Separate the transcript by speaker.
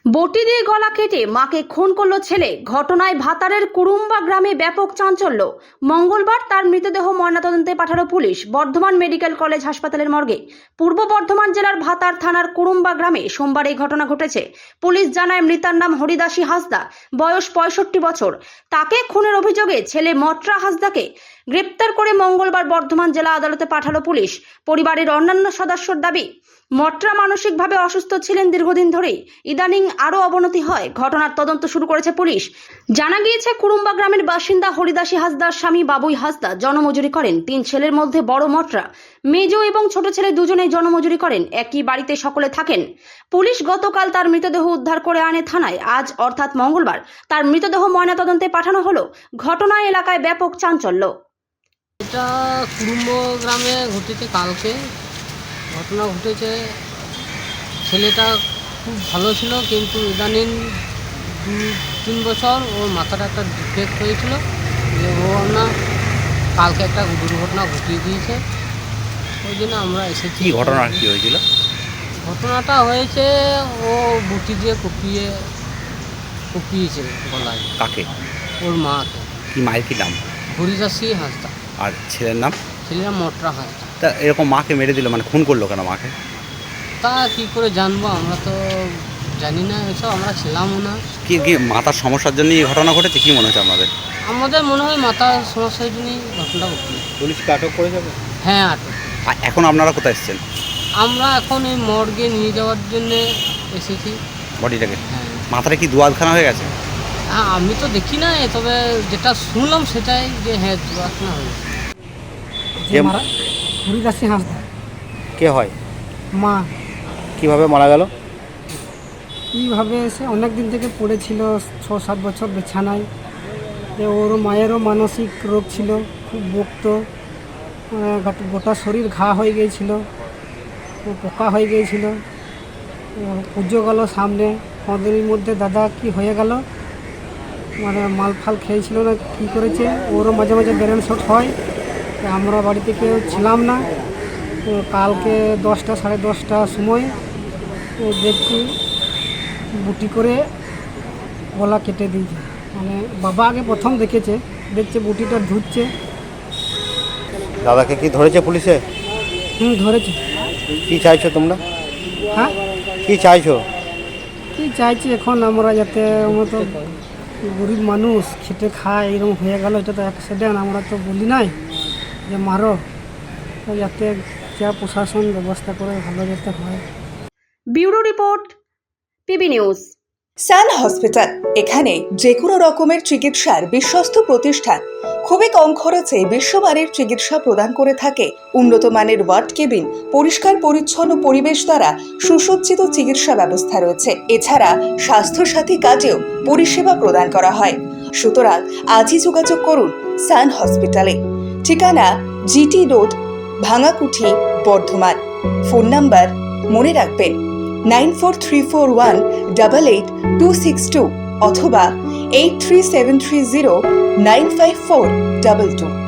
Speaker 1: বটি দিয়ে গলা কেটে মাকে খুন করল ছেলে। ঘটনায় ভাতারের কুরুম্বা গ্রামে ব্যাপক চাঞ্চল্য। মঙ্গলবার তার মৃতদেহ ময়নাতদন্তে পাঠালো পুলিশ বর্ধমান মেডিকেল কলেজ হাসপাতালের মর্গে। পূর্ব বর্ধমান জেলার ভাতার থানার কুরুম্বা গ্রামে সোমবার এই ঘটনা ঘটেছে। পুলিশ জানায় মৃতার নাম হরিদাসী হাঁসদা, বয়স 65 বছর। তাকে খুনের অভিযোগে ছেলে মটরা হাঁসদাকে গ্রেপ্তার করে মঙ্গলবার বর্ধমান জেলা আদালতে পাঠালো পুলিশ। পরিবারের অন্যান্য সদস্যর দাবি, মটরা মানসিকভাবে অসুস্থ ছিলেন দীর্ঘদিন ধরেই। ইদানিং আরও অবনতি হয়। ঘটনার তদন্ত শুরু করেছে পুলিশ। জানা গিয়েছে, কুরুম্বা গ্রামের বাসিন্দা হরিদাসী হাঁসদার স্বামী বাবুই হাঁসদা জনমজুরি করেন। 3 ছেলের মধ্যে বড় মটরা, মেজ এবং ছোট ছেলে দুজনেই জনমজুরি করেন। একই বাড়িতে সকলে থাকেন। পুলিশ গতকাল তার মৃতদেহ উদ্ধার করে আনে থানায়। আজ অর্থাৎ মঙ্গলবার তার মৃতদেহ ময়নাতদন্তে পাঠানো হলো। ঘটনায় এলাকায় ব্যাপক চাঞ্চল্য।
Speaker 2: এটা কুরুম্ব গ্রামে ঘটেছে। কালকে ঘটনা ঘটেছে। ছেলেটা খুব ভালো ছিল, কিন্তু ইদানিং 2-3 বছর ওর মাথাটা একটা ডিফেক্ট হয়েছিল, যে ও না কালকে একটা দুর্ঘটনা ঘটিয়ে দিয়েছে। ওই জন্য আমরা এসেছি।
Speaker 3: কি ঘটনা কি হয়েছিল?
Speaker 2: ঘটনাটা হয়েছে, ও বুটি দিয়ে কুপিয়েছে গলায়।
Speaker 3: কাকে?
Speaker 2: ওর মাকে।
Speaker 3: কি মায়ের কি নাম?
Speaker 2: হরিদাসী হাঁসদা।
Speaker 3: আর ছেলের নাম?
Speaker 2: ছেলেরা মটরা হাঁসদা।
Speaker 3: তা এরকম মাকে মেরে দিল, মানে খুন করলো কেন মাকে?
Speaker 2: তা কী করে জানবো, আমরা তো জানি না এসব, আমরা ছিলামও না।
Speaker 3: কি কি মাথার সমস্যার জন্য এই ঘটনা ঘটেছে? কি মনে হচ্ছে আপনাদের?
Speaker 2: আমাদের মনে হয় মাথার সমস্যার জন্যই ঘটনাটা ঘটল।
Speaker 3: পুলিশকে আটক করে যাবে?
Speaker 2: হ্যাঁ, আটক।
Speaker 3: এখন আপনারা কোথায় এসেছেন?
Speaker 2: আমরা এখন এই মর্গে নিয়ে যাওয়ার জন্যে এসেছি
Speaker 3: বডিটাকে?
Speaker 2: হ্যাঁ।
Speaker 3: মাথাটা কি দুয়াদখানা হয়ে গেছে?
Speaker 2: হ্যাঁ, আমি তো দেখি না, তবে যেটা শুনলাম সেটাই, যে হ্যাঁ দুর্ঘটনা হয়েছে।
Speaker 3: যে
Speaker 4: হরিদাসী হাঁসদা
Speaker 3: কে হয়?
Speaker 4: মা।
Speaker 3: কিভাবে মারা গেল?
Speaker 4: কীভাবে সে অনেক দিন থেকে পড়েছিল, 6-7 বছর বিছানায়। ওর মায়েরও মানসিক রোগ ছিল, খুব বকতো, গোটা শরীর ঘা হয়ে গিয়েছিল, পোকা হয়ে গিয়েছিল। পুজো গেল সামনে, 5 দিনের মধ্যে দাদা কি হয়ে গেল, মানে মাল ফাল খেয়েছিল না কী করেছে। ওরও মাঝে মাঝে ব্রেন শট হয়। আমরা বাড়িতে কেউ ছিলাম না। কালকে 10টা 10:30টার সময় দেখছি বুটি করে গলা কেটে দিয়েছে। মানে বাবা আগে প্রথম দেখছে বুটিটা ধুচ্ছে।
Speaker 3: দাদাকে কি ধরেছে পুলিশে?
Speaker 4: ধরেছে।
Speaker 3: কি চাইছো তোমরা?
Speaker 4: হ্যাঁ,
Speaker 3: কি চাইছো?
Speaker 4: কি চাইছি এখন আমরা, যাতে আমরা তো গরিব মানুষ, খেটে খায়, এরকম হয়ে গেল, এটা তো অ্যাক্সিডেন্ট, আমরা তো বলি নাই যে মারো, তো যাতে যা প্রশাসন ব্যবস্থা করে ভালো যাতে হয়।
Speaker 1: Bureau report, PB news.
Speaker 5: Sun hospital, এখানে যে কোনো রকমের চিকিৎসার বিশ্বস্ত প্রতিষ্ঠান। খুবই কম খরচে বিশ্বমানের চিকিৎসা প্রদান করে থাকে। উন্নত মানের ওয়ার্ড কেবিন, পরিষ্কার পরিচ্ছন্ন পরিবেশ দ্বারা সুসজ্জিত চিকিৎসা ব্যবস্থা রয়েছে। এছাড়া স্বাস্থ্যসাথী কাজেও পরিষেবা প্রদান করা হয়। সুতরাং আজই যোগাযোগ করুন সান হসপিটালে। ঠিকানা GT road, Bhangakuthi, Bardhaman. Phone number মনে রাখবেন 9434188262 অথবা 83730954222।